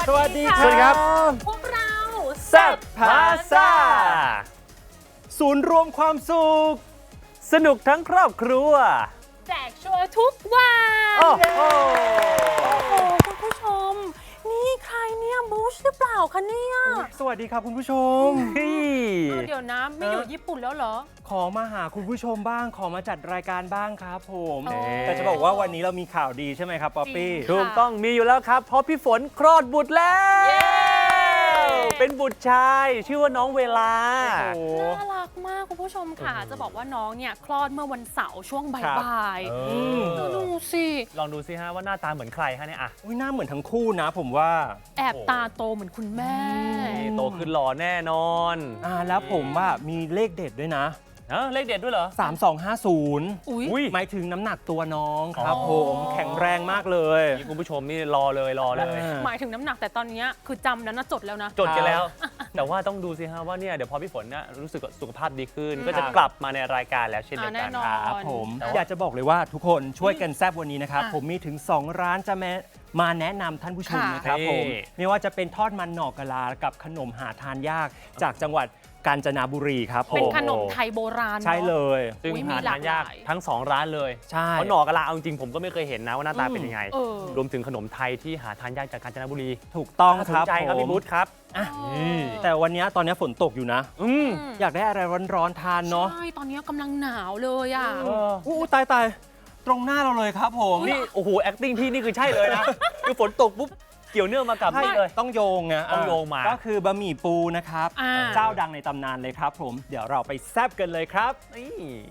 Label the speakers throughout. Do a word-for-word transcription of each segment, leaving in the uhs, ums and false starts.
Speaker 1: สวัสดีค่ะ
Speaker 2: สวัสดีครับ
Speaker 1: พวกเรา
Speaker 2: แซ่บพาซ่าศูนย์รวมความสุข สนุกทั้งครอบครัว
Speaker 1: แจกชัวร์ทุกวัน
Speaker 2: โอ้โห
Speaker 1: โอ้โหคุณผู้ชม นี่ใครเนี่ยบูชหรือเปล่าคะเนี่ย
Speaker 3: สวัสดีครับคุณผู้ชม
Speaker 1: เอาเดี๋ยวนะไม่อยู่ญี่ปุ่นแล้วเหรอ
Speaker 3: ขอมาหาคุณผู้ชมบ้าง ขอมาจัดรายการบ้างครับผม
Speaker 1: อ๋อ
Speaker 3: แต่จะบอกว่าวันนี้เรามีข่าวดีใช่ไหมครับป๊อปปี้
Speaker 1: จริง
Speaker 2: ถูกต้องมีอยู่แล้วครับ เพราะพี่ฝนคลอดบุตรแล้ว
Speaker 1: เย้
Speaker 2: เป็นบุตรชาย ชื่อว่าน้องเวลา
Speaker 3: โอ้โห
Speaker 1: น่ารักมากคุณผู้ชมค่ะ จะบอกว่าน้องเนี่ยคลอดเมื่อวันเสาร์ช่วง
Speaker 3: ครับ
Speaker 1: บ่าย
Speaker 2: เอ
Speaker 1: ๆ
Speaker 2: อ
Speaker 1: ดูสิ
Speaker 2: ลองดูสิฮะว่าหน้าตาเหมือนใครฮะเนี่ยอ่ะ
Speaker 3: อุ๊ยหน้าเหมือนทั้งคู่นะผมว่า
Speaker 1: แอบตาโตเหมือนคุณแม่
Speaker 2: นี่โตขึ้นหล่อแน่นอน
Speaker 3: อ่าแล้วผมว่ามีเลขเด็ดด้วยนะ
Speaker 2: เออเลขเด็ดด้วยเหรอ
Speaker 3: สามสองห้าศูนย์
Speaker 1: อุ๊ย
Speaker 2: อุ้ย
Speaker 3: หมายถึงน้ำหนักตัวน้องครับ
Speaker 2: อ๋อ
Speaker 3: ผมแข็งแรงมากเลย
Speaker 2: นี่คุณผู้ชมนี่รอเลยรอเลย
Speaker 3: อ่า
Speaker 1: หมายถึงน้ำหนักแต่ตอนเนี้ยคือจำแล้วนะจดแล้วนะ
Speaker 2: จดกันแล้ว แต่ว่าต้องดูสิฮะว่าเนี่ยเดี๋ยวพอพี่ฝนเนี่ยรู้สึกสุขภาพดีขึ้น
Speaker 1: อืม
Speaker 2: ก็จะกลับมาในรายการแล้วเช่นเดียวกัน
Speaker 1: อ่าแน่นอน
Speaker 3: ครับผม
Speaker 2: แต่ว่า
Speaker 3: อยากจะบอกเลยว่าทุกคนช่วยกันแซบวันนี้นะครับ
Speaker 1: อ่ะ
Speaker 3: ผมมีถึง สอง ร้านจะแม้มาแนะนำท่านผู้ชม
Speaker 1: ค่ะ
Speaker 3: นะครับผม
Speaker 2: นี่
Speaker 3: ไม่ว่าจะเป็นทอดมันหน่อกะลากับขนมหาทานยากจากจังหวัดกาญจนบุรีครับผ
Speaker 1: เป็น
Speaker 3: ม
Speaker 1: ขนมไทยโบราณ
Speaker 3: ใช่เลย
Speaker 2: ซึ่ง
Speaker 1: อุ๊ย
Speaker 2: หา
Speaker 1: มีหลา
Speaker 2: ทาก นยาก
Speaker 1: หลาย
Speaker 2: ทั้งสองร้านเลย
Speaker 3: ใช่
Speaker 2: เพราะหน่อกะลาเอาจริงๆผมก็ไม่เคยเห็นนะว่าหน้าตาเป็นยังไง
Speaker 1: เออ
Speaker 2: รวมถึงขนมไทยที่หาทานยากจากกาญจนบุรี
Speaker 3: ถูกต้อง
Speaker 2: น่าส
Speaker 3: คน รับ
Speaker 2: ใจครับ
Speaker 3: ผม
Speaker 2: พี่บุ๊ทครับ
Speaker 3: อ่ะ
Speaker 2: นี่
Speaker 3: แต่วันนี้ตอนนี้ฝนตกอยู่นะ
Speaker 2: อืม
Speaker 1: อืม
Speaker 3: อยากได้อะไรร้อนๆทานเนาะ
Speaker 1: ใช่ ตอนนี้กำลังหนาวเลยอ่ะ
Speaker 2: เออ
Speaker 3: อู้ตายตายตรงหน้าเราเลยครับผม
Speaker 2: นี่โอ้โห acting พี่นี่คือใช่เลยนะ คือฝนตกปุ๊บเกี่ยวเนื่องมากับ
Speaker 3: ใช่
Speaker 2: นี่เลย
Speaker 3: ต้องโยงไง
Speaker 2: ต้องโยงมา
Speaker 3: ก็คือบะหมี่ปูนะครับ
Speaker 1: อ่า
Speaker 3: เจ้าดังในตำนานเลยครับผมเดี๋ยวเราไปแซบกันเลยครับ
Speaker 2: นี่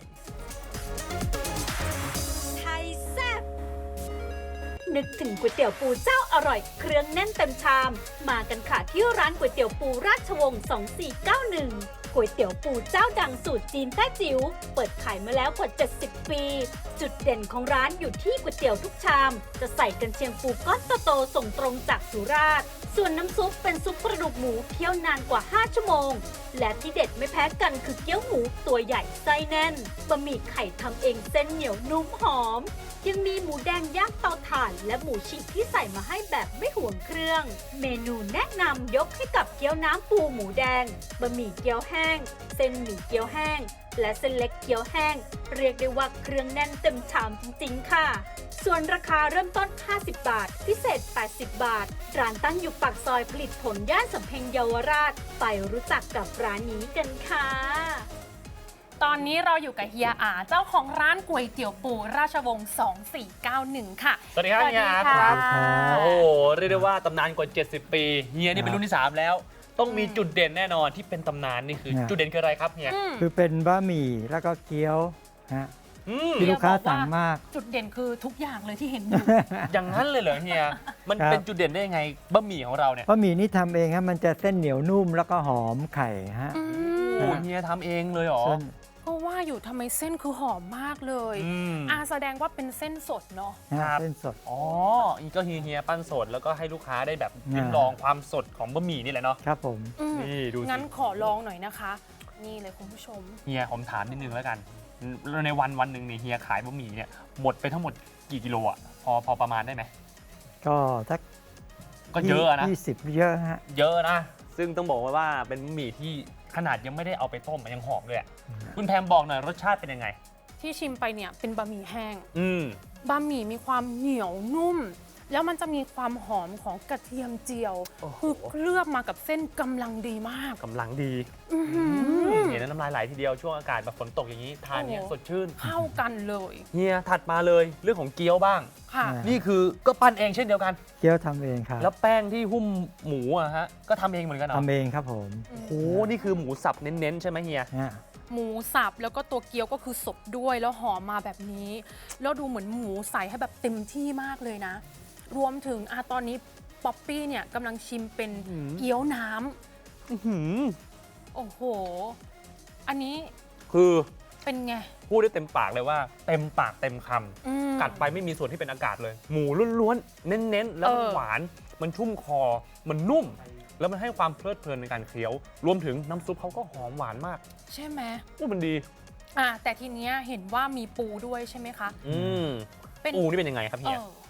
Speaker 4: ไทยแซ่บนึกถึงก๋วยเตี๋ยวปูเจ้าอร่อยเครื่องแน่นเต็มชาม มากันค่ะที่ร้านก๋วยเตี๋ยวปูราชวงศ์สองสี่เก้าหนึ่งก๋วยเตี๋ยวปูเจ้าดังสูตรจีนแต้จิ๋วเปิดขายมาแล้วกว่าเจ็ดสิบปี จุดเด่นของร้านอยู่ที่ก๋วยเตี๋ยวทุกชาม จะใส่กันเชียงปูก้อนโตๆส่งตรงจากสุราษฎร์ส่วนน้ำซุปเป็นซุปกระดูกหมูเคี่ยวนานกว่าห้าชั่วโมง และที่เด็ดไม่แพ้กันคือเกี๊ยวหมูตัวใหญ่ไส้แน่นบะหมี่ไข่ทำเองเส้นเหนียวนุ่มหอม ยังมีหมูแดงย่างเตาถ่านและหมูฉีกที่ใส่มาให้แบบไม่ห่วงเครื่อง เมนูแนะนำยกให้กับเกี๊ยวน้ำปูหมูแดงบะหมี่เกี๊ยวแห้ง เส้นหมี่เกี๊ยวแห้ง และเส้นเล็กเกี๊ยวแห้ง เรียกได้ว่าเครื่องแน่นเต็มชามจริงๆค่ะ ส่วนราคาเริ่มต้น ห้าสิบบาท พิเศษ แปดสิบบาท ร้านตั้งอยู่ปากซอยผลิตผลย่านสำเพ็งเยาวราช ไปรู้จักกับร้านนี้กันค่ะ
Speaker 1: ตอนนี้เราอยู่กับเฮียอาเจ้าของร้านก๋วยเตี๋ยวปูราชวงศ์สองสี่เก้าหนึ่งค่ะ
Speaker 2: สวัสดีครับ
Speaker 1: สวัส
Speaker 2: เฮี
Speaker 1: ดี
Speaker 2: ยอาร์ต
Speaker 1: ค่ะ
Speaker 2: ครับ โอ้โหเรียกได้ว่าตำนานกว่า เจ็ดสิบ ปีเฮียนี่เป็นรุ่นที่ สาม แล้ว ต้องมีจุดเด่นแน่นอนที่เป็นตำนานนี่คือ
Speaker 5: เนี่ย
Speaker 2: จุดเด่นคืออะไรครับเฮีย
Speaker 1: อืม
Speaker 5: คือเป็นบะหมี่แล้วก็เกี๊ยวฮะ
Speaker 2: อืม
Speaker 5: ที่ลูกค้า
Speaker 1: เฮียบอกว่า
Speaker 5: สั่งมาก
Speaker 1: จุดเด่นคือทุกอย่างเลยที่เห็นอยู่
Speaker 2: อย่างนั้นเลยเหรอเฮีย มัน
Speaker 5: ครับ
Speaker 2: เป็นจุดเด่นได้ยังไงบะหมี่ของเราเนี่ย
Speaker 5: บะหมี่นี่ทำเองฮะมันจะเส้นเหนียวนุ่มแล้วก็หอมไข่ฮะ
Speaker 1: อืม
Speaker 2: โอ้เฮียทำเองเลยเหรอ
Speaker 5: เส้น
Speaker 1: ก็ว่าอยู่ทำไมเส้นคือหอมมากเลย
Speaker 2: อืม
Speaker 1: อาแสดงว่าเป็นเส้นสดเนาะ
Speaker 5: ฮะ
Speaker 2: ครับ
Speaker 5: เส้นสด
Speaker 2: อ๋ออีกก็เฮียเฮียปั้นสดแล้วก็ให้ลูกค้าได้แบบ
Speaker 5: อ่า
Speaker 2: ลิ้มลองความสดของบะหมี่นี่แหละเนาะ
Speaker 5: ครับผม
Speaker 1: อืม
Speaker 2: นี่ดูสิ
Speaker 1: งั้นขอลองหน่อยนะคะ นี่เลยคุณผู้ชม
Speaker 2: เฮียผมถามนิดนึงแล้วกันในวันวันหนึ่งเนี่ยเฮียขายบะหมี่เนี่ยหมดไปทั้งหมดกี่กิโลอ่ะพอพอประมาณได้ไหม
Speaker 5: ก็สัก
Speaker 2: ก็เยอะนะ
Speaker 5: ยี่สิบเยอะฮะ
Speaker 2: เยอะนะ ซึ่งต้องบอกว่าเป็นบะหมี่ที่ขนาดยังไม่ได้เอาไปต้มมันยังหอมเลยอะคุณแพมบอกหน่อยรสชาติเป็นยังไง
Speaker 1: ที่ชิมไปเนี่ยเป็นบะหมี่แห้ง
Speaker 2: อืม
Speaker 1: บะหมี่มีความเหนียวนุ่ม แล้วมันจะมีความหอมของกระเทียมเจียว
Speaker 2: โอ้โห
Speaker 1: คือเคลือบมากับเส้นกำลังดีมาก
Speaker 2: กำลังดี
Speaker 1: อื้อหือ
Speaker 2: เห็นแล้วน้ำลายไหลทีเดียวช่วงอากาศแบบฝนตกอย่างนี้ทานเนี่ย
Speaker 1: โอ้โห
Speaker 2: สดชื่น
Speaker 1: เข้ากันเลย
Speaker 2: เฮียถัดมาเลยเรื่องของเกี๊ยวบ้าง
Speaker 1: ค่ะ
Speaker 5: อ่า
Speaker 2: นี่คือก็ปั้นเองเช่นเดียวกัน
Speaker 5: เกี๊ยวทำเองครับ
Speaker 2: แล้วแป้งที่หุ้มหมูอะฮะก็ทำเองเหมือนกันเหรอ
Speaker 5: ทำเองครับผม
Speaker 2: โอ้โหนี่คือหมูสับเน้นๆใช่ไหมเฮีย
Speaker 5: ฮะ
Speaker 1: หมูสับแล้วก็ตัวเกี๊ยวก็คือสดด้วยแล้วหอมมาแบบนี้ แล้วดูเหมือนหมูใส่ให้แบบเต็มที่มากเลยนะ รวมถึงอะตอนนี้ป๊อปปี้เนี่ยกำลังชิมเป็น
Speaker 2: อื้อหือ
Speaker 1: เกี๊ยวน้ำ
Speaker 2: อื้อหือ
Speaker 1: โอ้โห อันนี้
Speaker 2: คือ
Speaker 1: เป็นไง
Speaker 2: พูดได้เต็มปากเลยว่าเต็มปากเต็มคำ
Speaker 1: อืม
Speaker 2: กัดไปไม่มีส่วนที่เป็นอากาศเลย หมูล้วนๆ เน้นๆ แล้วมัน
Speaker 1: เออ
Speaker 2: หวาน มันชุ่มคอ มันนุ่ม แล้วมันให้ความเพลิดเพลินในการเคี้ยว รวมถึงน้ำซุปเขาก็หอมหวานมาก
Speaker 1: ใช่ไหม
Speaker 2: อู้มันดี
Speaker 1: อ่ะแต่ทีเนี้ยเห็นว่ามีปูด้วยใช่ไหมคะ
Speaker 2: อืม
Speaker 1: เป็น
Speaker 2: ปูนี่เป็นยังไงครับ
Speaker 1: เอ
Speaker 2: เฮีย
Speaker 1: อ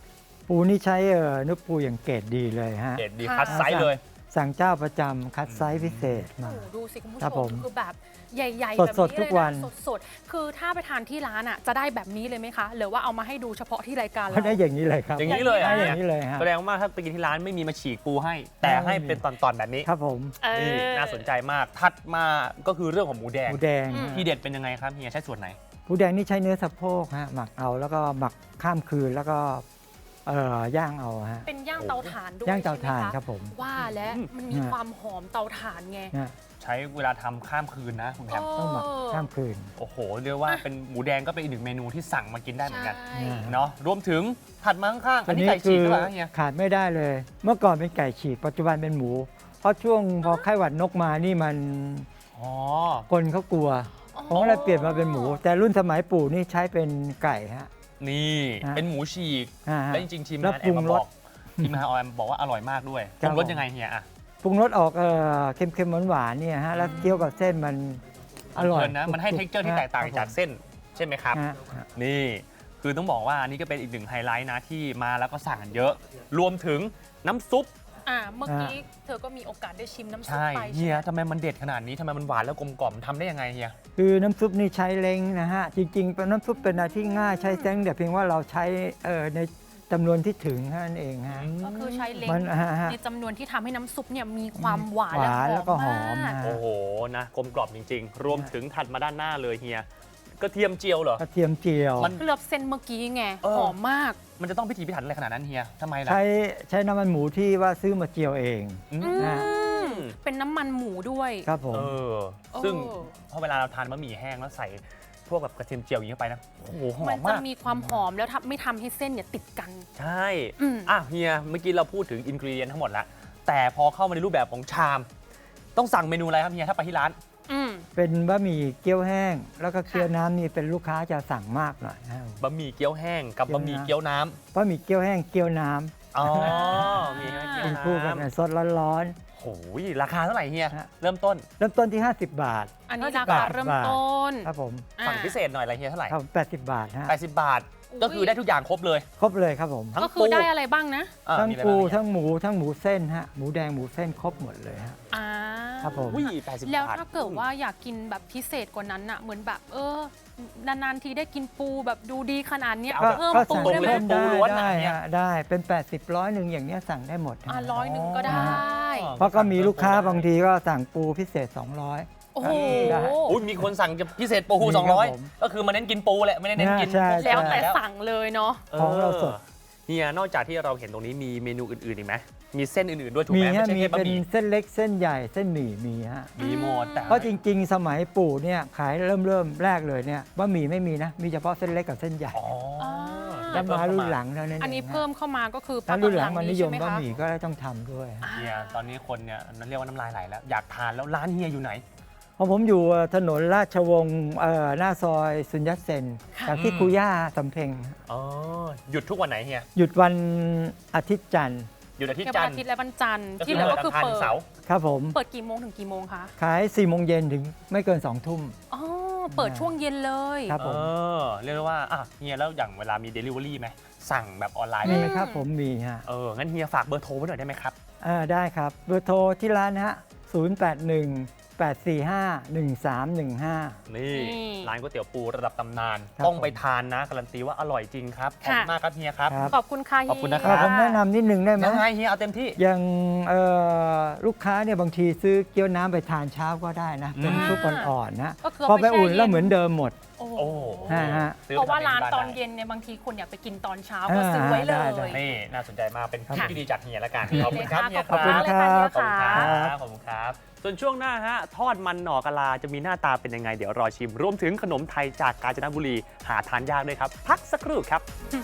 Speaker 5: ปูนี่ใช้เอ่อเนื้อปูอย่างเกรดดีเลยฮะ
Speaker 2: เด็ดดี
Speaker 1: ค่ะ
Speaker 2: คัดไซส์เลย
Speaker 5: สั่งเจ้าประจำคัดไซส์พิเศษมา
Speaker 1: โอ้โหดูสิคุณผู้
Speaker 5: ครั
Speaker 1: ช
Speaker 5: บผม ม
Speaker 1: คือแบบใหญ่ ๆ
Speaker 5: ส
Speaker 1: แบ
Speaker 5: ด
Speaker 1: บ
Speaker 5: สด
Speaker 1: นี้
Speaker 5: ทุ
Speaker 1: เลย
Speaker 5: กวัน
Speaker 1: นะสดๆคือถ้าไปทานที่ร้านอ่ะจะได้แบบนี้เลยไหมคะ หรือว่าเอามาให้ดูเฉพาะที่รายการ
Speaker 5: เขา
Speaker 1: เรา
Speaker 5: ได้อย่างนี้เลยครับ
Speaker 2: อย่างนี้เลยเหร
Speaker 5: ได้
Speaker 2: อ่ะ
Speaker 5: อย่างนี้เลยฮะ
Speaker 2: แสดงว่าถ้าไปกินที่ร้านไม่มีมาฉีกปูให้ แต่ให้เป็นตอนๆแบบนี้
Speaker 5: ครับผม
Speaker 1: เออ
Speaker 2: นี่น่าสนใจมากถัดมาก็คือเรื่องของหมูแดง
Speaker 5: หมูแดง
Speaker 1: อืม
Speaker 5: ฮะ
Speaker 2: ที่เด็ดเป็นยังไงครับเฮียใช้ส่วนไหน
Speaker 5: หมูแดงนี่ใช้เนื้อสะโพกฮะหมักเอาแล้วก็หมักข้ามคืนแล้วก็เอ่อย่างเอาฮะ
Speaker 1: เป็นย่างเตาถ่านด้วย
Speaker 5: ย่างเตาถ่าน
Speaker 1: ใช่ไหมะ
Speaker 5: ครับผม
Speaker 1: ว่าแล้วมันมี
Speaker 5: ฮะ
Speaker 1: ความหอมเตาถ่านไง
Speaker 5: นะ
Speaker 2: ใช้เวลาทำข้ามคืนนะคุณแพม
Speaker 5: ต้องหมักข้ามคืน
Speaker 2: โอ้โหเรียกว่าเป็นหมูแดงก็เป็นอีกหนึ่งเมนูที่สั่งมากินได้เหมือนกัน
Speaker 1: ใช่
Speaker 5: อ่า
Speaker 2: เนาะรวมถึงถัดมาข้างๆอันนี้
Speaker 5: อั
Speaker 2: ไก่ฉีกหรือเปล่าเฮีย
Speaker 5: ขาดไม่ได้เลย เมื่อก่อนเป็นไก่ฉีกปัจจุบันเป็นหมู เพราะช่วงพอไข้หวัดนกมานี่มัน
Speaker 2: อ๋อ
Speaker 5: คนเขากลัวผมก็เลยเปลี่ยนมาเป็นหมู แต่รุ่นสมัยปู่นี่ใช้เป็นไก่ฮะ
Speaker 2: นี่
Speaker 5: ฮะ
Speaker 2: เป็นหมูฉีก
Speaker 5: อ่าฮะ
Speaker 2: และจริงๆทีม
Speaker 5: แล้ว
Speaker 2: งาน
Speaker 5: ป
Speaker 2: แอ
Speaker 5: รุ
Speaker 2: ม
Speaker 5: ง
Speaker 2: มาบ
Speaker 5: ร
Speaker 2: อ
Speaker 5: ส
Speaker 2: กทีมงานแอมบอกว่าอร่อยมากด้วย
Speaker 5: ค
Speaker 2: ป
Speaker 5: รับ
Speaker 2: รุงรส
Speaker 5: ผม
Speaker 2: ยังไงเฮียอ่ะ
Speaker 5: ปรุงรสออกเอ่อเค็มๆหวานๆเนี่ยฮะแล้วเคี้ยวกับเส้นมันอร่อย
Speaker 2: เพลินนะมันให้
Speaker 5: กรุบๆ
Speaker 2: เท็กเจอร์ที่แตกต่าง
Speaker 5: ครับ
Speaker 2: จากเส้นใช่ไหมครับ
Speaker 5: ฮะฮะ
Speaker 2: นี่คือต้องบอกว่าอันนี้ก็เป็นอีกหนึ่งไฮไลท์นะที่มาแล้วก็สั่งกันเยอะ รวมถึงน้ำซุป
Speaker 1: อ่าเมื่อกี้เธอก็มีโอกาสได้ชิมน้ำซุป
Speaker 2: ใช่
Speaker 1: ไป
Speaker 2: เฮี
Speaker 1: ใช่
Speaker 2: ย
Speaker 1: ไหม
Speaker 2: ทำไมมันเด็ดขนาดนี้ทำไมมันหวานแล้วกลมกล่อมทำได้ยังไงเฮีย
Speaker 5: คือน้ำซุปนี่ใช้เล้งนะฮะ จริงๆเป็นน้ำซุปเป็นอะไรที่ง่ายใช้เล้งแต่เพียงว่าเราใช้เอ่อในจำนวนที่ถึงเท่านั้นเองฮะ
Speaker 1: ก็คือใช้เล้ง
Speaker 5: มันฮะฮะ
Speaker 1: ในจำนวนที่ทำให้น้ำซุปเนี่ยมีความหวาน
Speaker 5: หวานแล้วก็หอม
Speaker 1: มาก
Speaker 5: ฮะ
Speaker 2: โอ้โหนะกลมกล่อมจริง ๆ รวมถึงถัดมาด้านหน้าเลยเฮียกระเทียมเจียวเหรอ
Speaker 5: กระเทียมเจียว
Speaker 2: มัน
Speaker 1: เคลือบเส้นเมื่อกี้ไง
Speaker 2: เออ
Speaker 1: หอมมาก
Speaker 2: มันจะต้องพิถีพิถันอะไรขนาดนั้นเฮียทำไมล่ะ
Speaker 5: ใช้ใช้น้ำมันหมูที่ว่าซื้อมาเจียวเอง
Speaker 2: อืม
Speaker 5: นะ
Speaker 1: อืมเป็นน้ำมันหมูด้วย
Speaker 5: ครับผม
Speaker 2: เออซึ่ง
Speaker 1: เออ
Speaker 2: พอเวลาเราทานบะหมี่แห้งแล้วใส่พวกแบบกระเทียมเจียวอย่างนี้เข้าไปนะโอ้โหหอ
Speaker 1: มั
Speaker 2: ม
Speaker 1: จะ
Speaker 2: มาก
Speaker 1: มีความหอมแล้วทำไม่ทำให้เส้นเนี่ยติดกัน
Speaker 2: ใช่
Speaker 1: อืม
Speaker 2: อ่ะเฮียเมื่อกี้เราพูดถึงอินกรีเดียนทั้งหมดแล้วแต่พอเข้ามาในรูปแบบของชาม ต้องสั่งเมนูอะไรครับเฮียถ้าไปที่ร้าน
Speaker 1: อืม
Speaker 5: เป็นบะหมี่เกี๊ยวแห้ง แล้วก็เกี๊ยวน้ำนี่เป็นลูกค้าจะสั่งมากหน่อยนะ
Speaker 2: บะหมี่เกี๊ยวแห้งกับบะหมี่เกี๊ยวน้ำ
Speaker 5: บะหมี่เกี๊ยวแห้งเกี๊ยวน้
Speaker 2: อ๋อมีให้เกี๊
Speaker 5: ำ
Speaker 2: ยว
Speaker 5: เป็นคู่กัน
Speaker 2: น้ำ
Speaker 5: สดร้อน
Speaker 2: โอ้ยราคาเท่าไหร่เฮีย
Speaker 5: ฮะ
Speaker 2: เริ่มต้น
Speaker 5: ๆ เริ่มต้นที่ ห้าสิบบาท
Speaker 1: อันนี้
Speaker 2: ห้าสิ
Speaker 1: รา
Speaker 2: บบา
Speaker 1: คา
Speaker 2: ท
Speaker 1: เริ่มต้น
Speaker 5: ครับผม
Speaker 1: อ่า
Speaker 2: สั่งพิเศษหน่อยอะไรเฮียเท่าไหร่
Speaker 5: ครับแปดสิบบาทฮะ
Speaker 2: แปดสิบบาท
Speaker 1: อุ๊ย
Speaker 2: ก็คือได้ทุกอย่างครบเลย
Speaker 5: ครบเลยครับผม
Speaker 2: ทั้ง
Speaker 1: ก็คื
Speaker 2: ปู
Speaker 1: อได้อะไรบ้างนะ
Speaker 2: อ่ะ
Speaker 5: ทั้ง
Speaker 2: มีอะไร
Speaker 5: ปู
Speaker 2: บ้างเฮีย
Speaker 5: ทั้งหมูทั้งหมูเส้นฮะหมูแดงหมูเส้นครบหมดเลยฮะ
Speaker 1: อ่า
Speaker 5: ครับผม
Speaker 2: อุ้ยแปดสิบ
Speaker 1: แล้ว
Speaker 2: บาท
Speaker 1: ถ้าเกิดว่าอยากกินแบบพิเศษกว่านั้นอะเหมือนแบบเออนานๆทีได้กินปูแบบดูดีขนาดเนี้ย
Speaker 2: เอาแบบ
Speaker 1: เพิ่ม
Speaker 5: ก็
Speaker 1: ปู
Speaker 5: สั่ง
Speaker 1: ได้ไหม
Speaker 5: เพิ่มได้
Speaker 2: ปูล้วน
Speaker 5: ได้
Speaker 2: อ่ะเนี่ย
Speaker 5: ฮะได้เป็น แปดสิบร้อยหนึ่งอย่างเนี้ยสั่งได้หมดฮะ
Speaker 1: อ่ะร้อยหนึ่งก็ได้
Speaker 5: เพราะก็มีลูกค้าบางทีก็สั่งปูพิเศษ สองร้อย
Speaker 1: โอ้โห
Speaker 5: ได้
Speaker 2: อุ้ยมีคนสั่งจะพิเศษปู
Speaker 5: มีครับ
Speaker 2: สองร้อย
Speaker 5: ผม
Speaker 2: ก็คือมาเน้นกินปูแหละไม่ได้เน้นกิน
Speaker 5: ใช่
Speaker 2: พวก
Speaker 1: แล้วแต่
Speaker 2: แล้ว
Speaker 1: สั่งเลยเนาะ
Speaker 5: ของเราสด
Speaker 2: เฮียนอกจากที่เราเห็นตรงนี้มีเมนูอื่นๆอีกไหมมีเส้นอื่นๆด้วยถูก
Speaker 5: มี
Speaker 2: ไหมไม่
Speaker 5: ฮะ
Speaker 2: ใช่
Speaker 5: มี
Speaker 2: แค่บะ
Speaker 5: เป็น
Speaker 2: หมี่
Speaker 5: เส้นเล็กเส้นใหญ่เส้นหมี่มีฮะ
Speaker 2: มีหมดแต่
Speaker 5: เพราะจริงๆ สมัยปู่เนี่ยขายเริ่มเริ่มแรกเลยเนี่ยบะหมี่ไม่มีนะ มีเฉพาะเส้นเล็กกับเส้นใหญ่
Speaker 2: อ๋อ
Speaker 5: แล้วมารุ่นหลังเท่านั้นเอง
Speaker 1: อันนี้
Speaker 5: ฮะ
Speaker 1: เพิ่มเข้ามาก็คือ
Speaker 5: ถ้ารุ่นหลังมันนิยม
Speaker 1: ใช่ไห
Speaker 5: บะ
Speaker 1: คะ
Speaker 5: หมี่ก็ต้องทำด้วยฮะ
Speaker 2: เฮียตอนนี้คนเนี่ยนั่นเรียกว่าน้ำลายไหลแล้วอยากทานแล้วร้านเฮียอยู่ไหน
Speaker 5: เพราะผมอยู่ถนนราชวงศ์เอ่อหน้าซอยสุญญเซนจากที่
Speaker 2: อืม
Speaker 5: ครูย่าสำเพ็ง
Speaker 2: อ๋อหยุดทุกวันไหนเฮีย
Speaker 5: หยุดวันอาทิตย์จันทร์
Speaker 2: หยุดอาทิต
Speaker 1: แค่
Speaker 2: ย์จั
Speaker 1: วัน
Speaker 2: นท
Speaker 1: อา
Speaker 2: ร์
Speaker 1: ทิตย์และวันจันทร์
Speaker 2: ก็
Speaker 1: ที่
Speaker 2: คือ
Speaker 1: เหลือ
Speaker 2: วัน
Speaker 1: ก็คือ
Speaker 2: อังคาร
Speaker 1: เปิ
Speaker 2: ถึ
Speaker 1: ด
Speaker 2: งเสาร์
Speaker 5: ครับผม
Speaker 1: เปิดกี่โมงถึงกี่โมงคะ
Speaker 5: ขายสี่โมงเย็นถึงไม่เกินสองทุ่ม
Speaker 1: อ๋อเปิดช่วงเย็นเลย
Speaker 5: ครับผม
Speaker 2: เออเรียกได้ว่าอ่ะเฮียแล้วอย่างเวลามี Delivery ไหมสั่งแบบออนไลน์
Speaker 5: มี
Speaker 2: ได้ไหม
Speaker 5: ครับผมมีฮะ
Speaker 2: เอองั้นเฮียฝากเบอร์โทรไว้หน่อยได้ไหมครับ
Speaker 5: อ่าได้ครับเบอร์โทรที่ร้านนะฮะศูนย์ แปด หนึ่ง แปด สี่ ห้า หนึ่ง สาม หนึ่ง ห้า
Speaker 2: นี่ร้านก๋วยเตี๋ยวปูระดับตำนาน
Speaker 5: ครับ
Speaker 2: ต้องไปทานนะการันตีว่าอร่อยจริงครับขอบคุณมากครับเฮียครับ
Speaker 5: ครับ
Speaker 1: ขอบคุณค่ะ
Speaker 2: ขอบคุณนะค
Speaker 5: อ่า
Speaker 2: รับ
Speaker 5: ผมแนะนำนิดนึงได้ไหม
Speaker 2: ยังไงเฮียเอาเต็มที่
Speaker 5: อย่างเอ่อลูกค้าเนี่ยบางทีซื้อเกี๊ยวน้ำไปทานเช้าก็ได้นะ เป็น
Speaker 2: อ่า
Speaker 5: ซุปอ่อนๆนะ
Speaker 1: ก็คือ
Speaker 5: พอไป
Speaker 1: แช่
Speaker 5: อุ่นแล้ว
Speaker 1: ย็
Speaker 5: เหมือนเดิมหมด
Speaker 1: โอ้โห
Speaker 2: โอ้
Speaker 5: ฮะฮะ
Speaker 2: ซื้อ
Speaker 1: เพราะว่า
Speaker 2: ไปทำ
Speaker 1: ร้าน
Speaker 2: ที่
Speaker 1: ตอน
Speaker 2: ได้
Speaker 1: เย็นเนี่ยบางทีคนอยากไปกินตอนเช้าก็ซื้อไว้เล
Speaker 5: ได้
Speaker 1: ย
Speaker 5: ได้
Speaker 2: นี่น่าสนใจมากเป็น
Speaker 5: ครับ
Speaker 2: ที่ดีจากเฮียแล้วกัน
Speaker 1: ดี
Speaker 2: ขอบคุณครับ
Speaker 1: เลย
Speaker 2: เฮีย
Speaker 1: ค่ะ
Speaker 2: ครับ
Speaker 1: ขอบคุณค่ะ
Speaker 2: ขอบคุณค
Speaker 1: เฮี
Speaker 2: รั
Speaker 1: ย
Speaker 2: บขอบคุณครับ ส่วนช่วงหน้าฮะทอดมันหน่อกะลาจะมีหน้าตาเป็นยังไงเดี๋ยวรอชิม รวมถึงขนมไทยจากกาญจนบุรีหาทานยากด้วยครับ พักสักครู่ครับ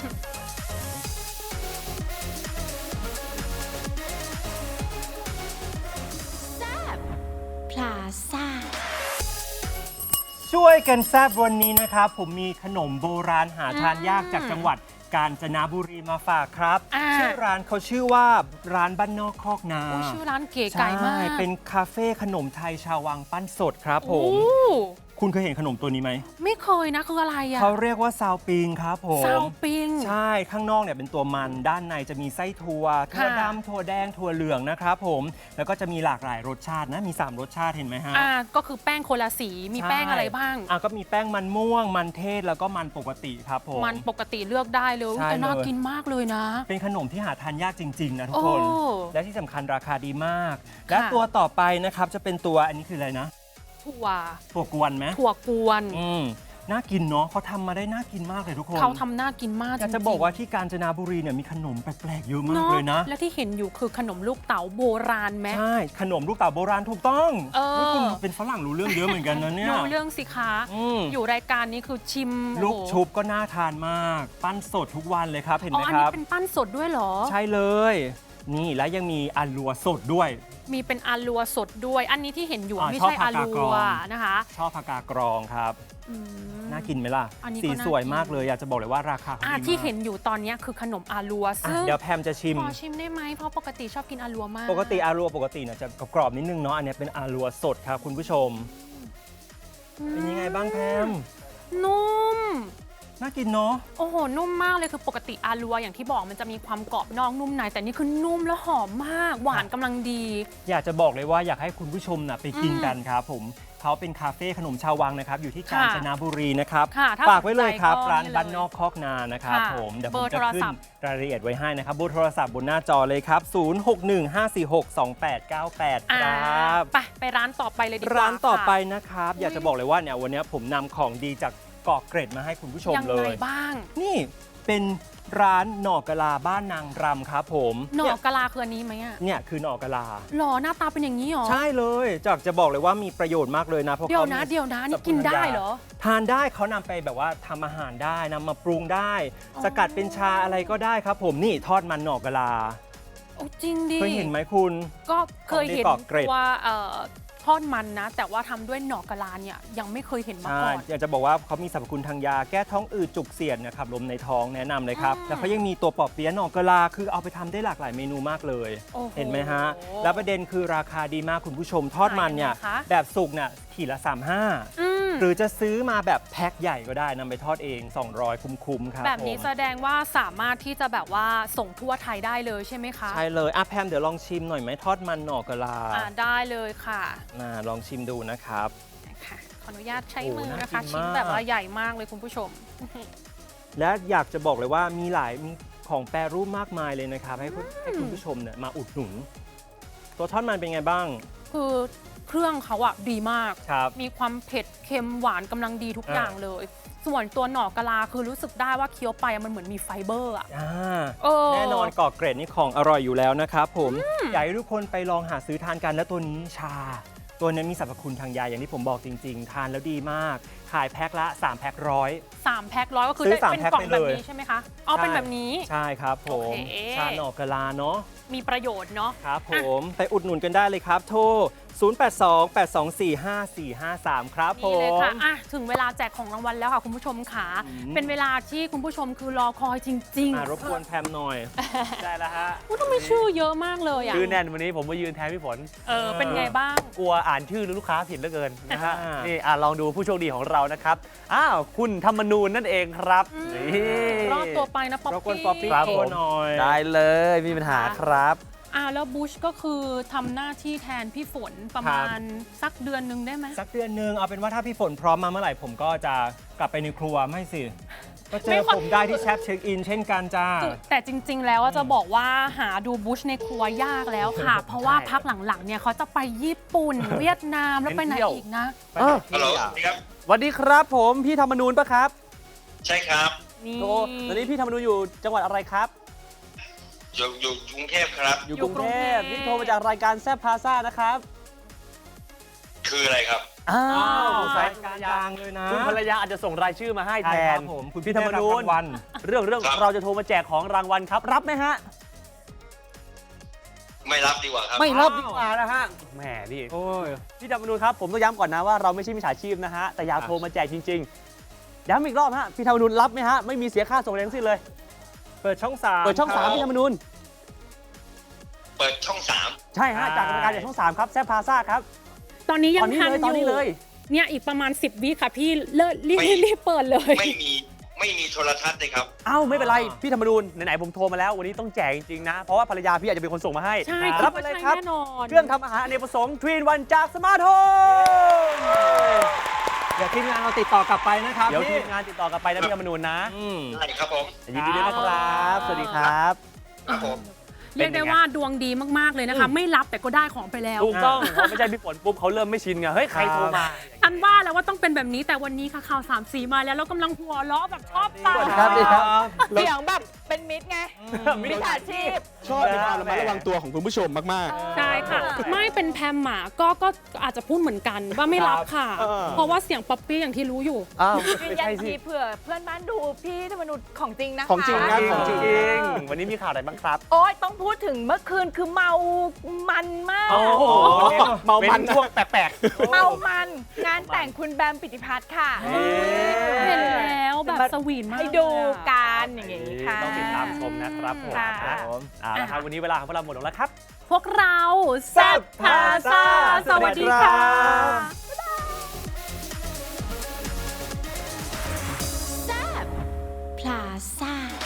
Speaker 6: พลาซ่า
Speaker 3: ช่วยกันแซบวันนี้นะครับ ผมมีขนมโบราณหาทานยากจากจังหวัดกาญจนบุรีมาฝากครับ
Speaker 1: อ่า
Speaker 3: ชื่อร้านเขาชื่อว่าร้านบ้านนอกคอกนา
Speaker 1: โอ้ชื่อร้านเก๋ไก่มาก
Speaker 3: ใช่เป็นคาเฟ่ขนมไทยชาววังปั้นสดครับผ
Speaker 1: โอ้
Speaker 3: มคุณเคยเห็นขนมตัวนี้ไหม
Speaker 1: ไม่เคยนะคืออะไรอะ
Speaker 3: เขาเรียกว่าซาวปิงครับผม
Speaker 1: ซาวปิง
Speaker 3: ใช่ข้างนอกเนี่ยเป็นตัวมันด้านในจะมีไส้ถั่วถั่ว
Speaker 1: ค่ะ
Speaker 3: ดำถั่วแดงถั่วเหลืองนะครับผมแล้วก็จะมีหลากหลายรสชาตินะมีสามรสชาติเห็นไหมฮะ
Speaker 1: อ่าก็คือแป้งคนละสีมีแป้งอะไรบ้าง
Speaker 3: อ่ะก็มีแป้งมันม่วงมันเทศแล้วก็มันปกติครับผม
Speaker 1: มันปกติเลือกได้เลย
Speaker 3: ใช่
Speaker 1: แต่น่า
Speaker 3: เลย
Speaker 1: กินมากเลยนะ
Speaker 3: เป็นขนมที่หาทานยากจริง ๆ นะทุกคน
Speaker 1: โอ้
Speaker 3: และที่สำคัญราคาดีมาก และ
Speaker 1: ค่ะ
Speaker 3: ตัวต่อไปนะครับจะเป็นตัวอันนี้คืออะไรนะ
Speaker 1: ถั่ว
Speaker 3: ตัวกวนไหม
Speaker 1: ถั่วกวน
Speaker 3: อืมน่ากินเนาะเขาทำมาได้น่ากินมากเลยทุกคน
Speaker 1: เขาทำน่ากินมาก
Speaker 3: อยากจะ
Speaker 1: ริงๆ
Speaker 3: บอกว่าที่กาญจนบุรีเนี่ยมีขนมแปลกๆเยอะมากเลยนะ
Speaker 1: และที่เห็นอยู่คือขนมลูกเต๋าโบราณไหม
Speaker 3: ใช่ขนมลูกเต๋าโบราณถูกต้อง
Speaker 1: เออ
Speaker 3: ฮ้ยคุณเป็นฝรั่งรู้เรื่องเยอะเหมือนกันนะเนี่ย
Speaker 1: ดูเรื่องสิคะ
Speaker 3: อืม
Speaker 1: อยู่รายการนี้คือชิม
Speaker 3: ลูก
Speaker 1: โอ้โห
Speaker 3: ชุบก็น่าทานมาก ปั้นสดทุกวันเลยครับเห็น
Speaker 1: อ๋อ
Speaker 3: ไหม
Speaker 1: อัน
Speaker 3: ค
Speaker 1: นี้
Speaker 3: รับ
Speaker 1: เป็นปั้นสดด้วยเหรอ
Speaker 3: ใช่เลย นี่และยังมีอัลลัวสดด้วย
Speaker 1: มีเป็นอาลัวสดด้วย อันนี้ที่เห็นอยู่
Speaker 3: อ่า
Speaker 1: ไม่
Speaker 3: ชอบ
Speaker 1: ใช่
Speaker 3: ผั
Speaker 1: อาก
Speaker 3: กาดกร
Speaker 1: ลั
Speaker 3: อ
Speaker 1: ว
Speaker 3: ง
Speaker 1: นะคะ
Speaker 3: ชอบผักกาดกรองครับ
Speaker 1: อืม
Speaker 3: น่ากินไหมล่ะ
Speaker 1: อันนี้ก็
Speaker 3: สี
Speaker 1: น่า
Speaker 3: สวย
Speaker 1: กิน
Speaker 3: มากเลยอยากจะบอกเลยว่าราคาเขา
Speaker 1: อ่า
Speaker 3: ดี
Speaker 1: ที่
Speaker 3: มาก
Speaker 1: เห็นอยู่ตอนนี้คือขนมอาลัว
Speaker 3: อ่ะ
Speaker 1: ซึ่ง
Speaker 3: เดี๋ยวแพมจะชิม
Speaker 1: ขอชิมได้ไหมเพราะปกติชอบกินอาลัวมาก
Speaker 3: ปกติอารัวปกติเนี่ยจะกรอบๆนิดนึงเนาะอันเนี้ยเป็นอารัวสดครับคุณผู้ชม เป็นยังไงบ้างแพม
Speaker 1: นุ่ม
Speaker 3: น่ากินเนาะ
Speaker 1: โอ้โห นุ่มมากเลยคือปกติอาลัวอย่างที่บอกมันจะมีความกรอบนอกนุ่มในแต่นี่คือนุ่มและหอมมาก หวานกำลังดี
Speaker 3: อยากจะบอกเลยว่าอยากให้คุณผู้ชมนะไปกิน
Speaker 1: อืม
Speaker 3: กันครับผมเขาเป็นคาเฟ่ขนมชาววังนะครับอยู่ที่กาญจนบุรีนะครับ
Speaker 1: ค่ะถ้า
Speaker 3: ฝากไว้เลยครับ
Speaker 1: สนใจก็
Speaker 3: ร้าน
Speaker 1: นี่เลย
Speaker 3: บ้านนอกคอกนานะครับ
Speaker 1: ค่ะ
Speaker 3: ผมเดี๋ยว
Speaker 1: เบ
Speaker 3: ผม
Speaker 1: อร์
Speaker 3: จะ
Speaker 1: โทร
Speaker 3: ขึ้
Speaker 1: ศั
Speaker 3: น
Speaker 1: พท์
Speaker 3: รายละเอียดไว้ให้นะครับเบอร์โทรศัพท์บนหน้าจอเลยครับ ศูนย์ หก หนึ่ง ห้า สี่ หก สอง แปด เก้า แปด
Speaker 1: อ่า
Speaker 3: ครับ
Speaker 1: ไปไปร้านต่อไปเลยดีกว่า
Speaker 3: ร้านต่อไป
Speaker 1: ค่ะ
Speaker 3: นะครับ
Speaker 1: อุ๊ย
Speaker 3: อยากจะบอกเลยว่าเนี่ยวันนี้ผมนำของดีจากเกาะเกร็ดมาให้คุณผู้ชม
Speaker 1: ยัง
Speaker 3: เล
Speaker 1: ไง
Speaker 3: ย
Speaker 1: บ้าง
Speaker 3: นี่เป็นร้านหน่อกะลาบ้านนางรำครับผม
Speaker 1: หน่อ
Speaker 3: เนี่ย
Speaker 1: กะลาคืออันนี้ไหมอ่ะ
Speaker 3: เนี่ยคือหน่อกะลา
Speaker 1: หล่อหน้าตาเป็นอย่างนี้เหรอ
Speaker 3: ใช่เลยจากจะบอกเลยว่ามีประโยชน์มากเลยนะเพราะ
Speaker 1: เดี๋ยว
Speaker 3: ขา
Speaker 1: นะ
Speaker 3: มี
Speaker 1: เดี๋ยวนะนี่
Speaker 3: สรรพ
Speaker 1: กิน
Speaker 3: คุณ
Speaker 1: ได้
Speaker 3: ทางยา
Speaker 1: เหรอ
Speaker 3: ทานได้เขานำไปแบบว่าทำอาหารได้นำมาปรุงได้
Speaker 1: อ๋อ
Speaker 3: สกัดเป็นชาอะไรก็ได้ครับผมนี่ทอดมันหน่อกะลา
Speaker 1: โอ้จริงดิ
Speaker 3: เคยเห็นไหมคุณ
Speaker 1: ก็เคยเห็น
Speaker 3: ของดีเกาะเกร็ด
Speaker 1: ว่าเอ่อทอดมันนะ แต่ว่าทำด้วยหน่อกะลาเนี่ยยังไม่เคยเห็นมา
Speaker 3: ใช่
Speaker 1: ก่อน
Speaker 3: อยากจะบอกว่าเขามีสรรพคุณทางยาแก้ท้องอืดจุกเสียดนะครับลมในท้องแนะนำเลยครับ
Speaker 1: อืม
Speaker 3: แล้วเขายังมีตัวปอบเปี๊ยะหน่อกะลาคือเอาไปทำได้หลากหลายเมนูมากเลย
Speaker 1: โอ้โห
Speaker 3: เห็นไหมฮะ แล้วประเด็นคือราคาดีมากคุณผู้ชมทอดมันเนี่ย
Speaker 1: ขายยังไงคะ
Speaker 3: แบบสุกเนี่ยขีดละสามสิบห้า
Speaker 1: อืม
Speaker 3: หรือจะซื้อมาแบบแพ็คใหญ่ก็ได้นำไปทอดเอง สองร้อย คุ้มๆครับ
Speaker 1: แบบนี้
Speaker 3: ผม
Speaker 1: แสดงว่าสามารถที่จะแบบว่าส่งทั่วไทยได้เลยใช่ไหมคะ
Speaker 3: ใช่เลยอ่ะแพมเดี๋ยวลองชิมหน่อยไหมทอดมันหน่อกะลา
Speaker 1: อ่าได้เลยค่ะ
Speaker 3: น่าลองชิมดูนะครับ
Speaker 1: ค่ะขออนุญาตใช้
Speaker 3: โอ้
Speaker 1: มือ
Speaker 3: น่า
Speaker 1: นะคะ
Speaker 3: กิน
Speaker 1: ชิ้น
Speaker 3: มาก
Speaker 1: แบบว่าใหญ่มากเลยคุณผู้ชม
Speaker 3: และอยากจะบอกเลยว่ามีหลายมีของแปรรูปมากมายเลยนะครับ ให้คุณให้คุณผู้ชมเนี่ยมาอุดหนุน ตัวทอดมันเป็นไงบ้าง
Speaker 1: คือเครื่องเขาอะดีมาก
Speaker 3: ครับ
Speaker 1: มีความเผ็ดเค็มหวานกำลังดีทุก
Speaker 3: อ่า
Speaker 1: อย่างเลย ส่วนตัวหน่อกะลาคือรู้สึกได้ว่าเคี้ยวไปมันเหมือนมีไฟเบอร์อะ
Speaker 3: อ่า
Speaker 1: เออ
Speaker 3: แน่นอนเกาะเกร็ดนี่ของอร่อยอยู่แล้วนะครับผมอยากให้ทุกคนไปลองหาซื้อทานกันแล้วตัวนี้ชา ตัวนี้มีสรรพคุณทางยาอย่างที่ผมบอกจริง ๆ ทานแล้วดีมาก ขายแพ็คละสามแพ็คร้อย
Speaker 1: สามแพ็คร้อยก็คือ
Speaker 3: ซื้อ
Speaker 1: ได้
Speaker 3: สาม
Speaker 1: เป็น
Speaker 3: แพ็ค
Speaker 1: กล่อง
Speaker 3: ไป
Speaker 1: แบ
Speaker 3: เล
Speaker 1: บ
Speaker 3: ย
Speaker 1: นี้ใช่ไหมคะอ๋อเป็นแบบนี้
Speaker 3: ใช่ครับผม
Speaker 1: โอเค
Speaker 3: ชาหน่อกะลาเนาะ
Speaker 1: มีประโยชน์เนาะ
Speaker 3: ครับผมไปอุดหนุนกันได้เลยครับ โทร ศูนย์ แปด สอง แปด สอง สี่ ห้า สี่ ห้า สาม ครับผ
Speaker 1: นี่เลย
Speaker 3: ม
Speaker 1: ค่ะอ่ะ ถึงเวลาแจกของรางวัลแล้วค่ะคุณผู้ชมค่ะ
Speaker 3: อืม
Speaker 1: เป็นเวลาที่คุณผู้ชมคือรอคอยจริง
Speaker 3: อ่ะรบกวนแพมหน่อย
Speaker 2: ได้แล้วฮะ
Speaker 1: ๆอุ๊ยทำไมชื่อเยอะมากเลยอ่ะ
Speaker 2: ชื่อแน่นวันนี้ผมมายืนแทนพี่ฝน
Speaker 1: เออ เป็นไงบ้าง
Speaker 2: กลัวอ่านชื่อลูกค้าผิดเหลือเกินนะฮะ
Speaker 3: อ่านี่
Speaker 2: นี่อ่ะลองดูผู้โชคดีของเรานะครับ อ้าว คุณธรรมนูญนั่นเองครับ
Speaker 1: อืม
Speaker 2: นี่
Speaker 1: รอดตัวไปนะป๊อป
Speaker 3: รบกวน
Speaker 1: ปี้
Speaker 3: ป๊อปปี้
Speaker 2: ครับ
Speaker 3: โท
Speaker 2: ผ
Speaker 3: ร
Speaker 2: ม
Speaker 3: หน่อย
Speaker 2: ได้เลยไมมีปัญหาครับ
Speaker 1: อ่าแล้วบุชก็คือทำหน้าที่แทนพี่ฝนประมาณสักเดือนหนึงได้ไหม
Speaker 3: สักเดือนหนึ่งเอาเป็นว่าถ้าพี่ฝนพร้อมมาเมื่อไหร่ผมก็จะกลับไปในครัวไม่สิ ก็เจ
Speaker 1: ไม่
Speaker 3: อ
Speaker 1: ค่อย
Speaker 3: ผมได้ที่แชปเช็คอินเช่นกันจ้า
Speaker 1: แต่จริง ๆ แล้วอะจะบอกว่าหาดูบุชในครัวยากแล้วค่ะ เพราะว่าพักหลังๆเนี่ยเขาจะไปญี่ปุ่น เวียดนามแล้วไปไหน
Speaker 2: เที่ยว
Speaker 1: อีกนะ
Speaker 2: เออ
Speaker 7: ฮัลโหลสวัสดีครับ
Speaker 2: สวัสดีครับผมพี่ธรรมนูญปะครับ
Speaker 7: ใช่ครับ
Speaker 1: นี่
Speaker 2: โตตอนนี้พี่ธรรมนูญอยู่จังหวัดอะไรครับ
Speaker 7: อยู่อยู่กรุงเทพครับ
Speaker 2: อยู่กรุงเทพนี่โทรมาจากรายการแซบพาซ่านะครับ
Speaker 7: คืออะไรครับ
Speaker 2: อ้า
Speaker 3: อ้าว
Speaker 2: วสา
Speaker 3: สาย ยการดังเลยนะ
Speaker 2: คุณภรรยาอาจจะส่งรายชื่อมาให้แท
Speaker 3: ใช่ครั
Speaker 2: น
Speaker 3: บผมคุณ
Speaker 2: พี่ธรรมนูญ
Speaker 3: ได้รับรางวัล
Speaker 2: เรื่องเรื่อง
Speaker 7: ครับ
Speaker 2: เราจะโทรมาแจกของรางวัลครับ รับไหมฮะ
Speaker 7: ไม่รับดีกว่าครับ
Speaker 2: ไม่รับดีกว่านะฮะแหมนี่
Speaker 3: โอ้ย
Speaker 2: พี่ธรรมนูญครับผมต้องย้ำก่อนนะว่าเราไม่ใช่มิจฉาชีพนะฮะแต่อยากโทรมาแจกจริงๆย้ำอีกรอบฮะพี่ธรรมนูญรับไหมฮะไม่มีเสียค่าส่งแรงสิ้นเลย
Speaker 3: เปิดช่องสาม
Speaker 2: เปิดช่องสาม
Speaker 3: ครับ
Speaker 2: พี่ธรรมนูญ
Speaker 7: เปิดช่องสาม
Speaker 2: ใช่ฮะ
Speaker 3: ใช่
Speaker 2: จากรายการจากช่องสามครับแซบพาซ่าครับ
Speaker 1: ตอนนี้ยั
Speaker 2: ตอง นนี้
Speaker 1: ทัน
Speaker 2: เลย
Speaker 1: อ
Speaker 2: ตอนนี้
Speaker 1: ยู่
Speaker 2: เลย
Speaker 1: เนี่ยอีกประมาณ สิบ วิค่ะพี่เลิศรีบ
Speaker 7: ไม่
Speaker 1: รีบเปิดเลย
Speaker 7: ไม่มีไม่มีโทรทัศน์เลยครับ
Speaker 2: เอ้าไม่เป็นไร พี่ธรรมนูญไหนๆผมโทรมาแล้ววันนี้ต้องแจกจริงๆนะ เพราะว่าภรรยาพี่อาจจะเป็นคนส่งมาให้
Speaker 1: ใช่
Speaker 2: รับไปเลยครับ
Speaker 1: แน่นอน
Speaker 2: เครื่องทำอาหารอเนกประสงค์ทรีนวันจากสมาร์ทโฮม
Speaker 3: เดี๋ยวทีมงานเราติดต่อกลับไปนะครับ
Speaker 2: เดี๋ยวที
Speaker 3: พี่
Speaker 2: มงานติดต่อกลับไปนะพี่ธรรมนูญนะ
Speaker 3: อืม
Speaker 7: ได้ครับผม
Speaker 2: ยินดีด้วยนะครับ สวัสดีครับ
Speaker 7: ครับผม
Speaker 1: เรียกได้ว่าดวงดีมากๆเลยนะคะ ไม่รับแต่ก็ได้ของไปแล้ว
Speaker 2: ถูกต้องเพราะไม่ใช่พี่ฝนปุ๊บเขาเริ่มไม่ชินไงเฮ้ยใครโทรมา
Speaker 1: อันว่าแล้วว่าต้องเป็นแบบนี้แต่วันนี้ค่ะข่าวสามสีมาแล้วแล้วกำลังหัวเราะแบบชอบตา
Speaker 3: ครับดีครับ
Speaker 8: เสียงแบบเป็นมิตรไง มิจฉาชีพ
Speaker 9: ชอบในความระมัดระวังตัวของคุณผู้ชมมาก
Speaker 1: ใช่ค่ะ ไม่เป็นแพมหมาก็ก็อาจจะพูดเหมือนกันว่าไม่รับค่ะ
Speaker 2: เออ
Speaker 1: เพราะว่าเสียงป๊อปปี้อย่างที่รู้อยู่
Speaker 2: อ้าว
Speaker 8: ยืน
Speaker 2: ไม่
Speaker 8: ยัน
Speaker 2: ใช่สิ
Speaker 8: ทีเผื่อเพื่อนบ้านดูพี่ธรรมนุษย์ของจริงนะคะ
Speaker 9: ของจริง
Speaker 2: จ
Speaker 9: นะ
Speaker 2: ริง
Speaker 9: ของ
Speaker 2: จ
Speaker 9: จริ
Speaker 2: ริ
Speaker 9: ง
Speaker 2: งวันนี้มีข่าวอะไรบ้างครับ
Speaker 8: โอ๊ยต้องพูดถึงเมื่อคืนคือเมามันมาก
Speaker 2: โอ้โห
Speaker 9: เมามัน
Speaker 2: ป็ช่วงแปลกๆ
Speaker 8: เมามันงานแต่งคุณแบมปิติพัฒน์ค่ะ
Speaker 2: เอ๊ะ
Speaker 1: เห็นแล้วแบบสวีทมาก
Speaker 8: ให้ดูกันอย่างนี้ค่ะ
Speaker 2: ต้องติดตามชมนะครับผม
Speaker 8: ค่ะ
Speaker 2: นะเอาละครับวันนี้เวลาของพวกเราหมดลงแล้วครับ
Speaker 1: พวกเราแซ่บพาซาสวัสดีค่ะ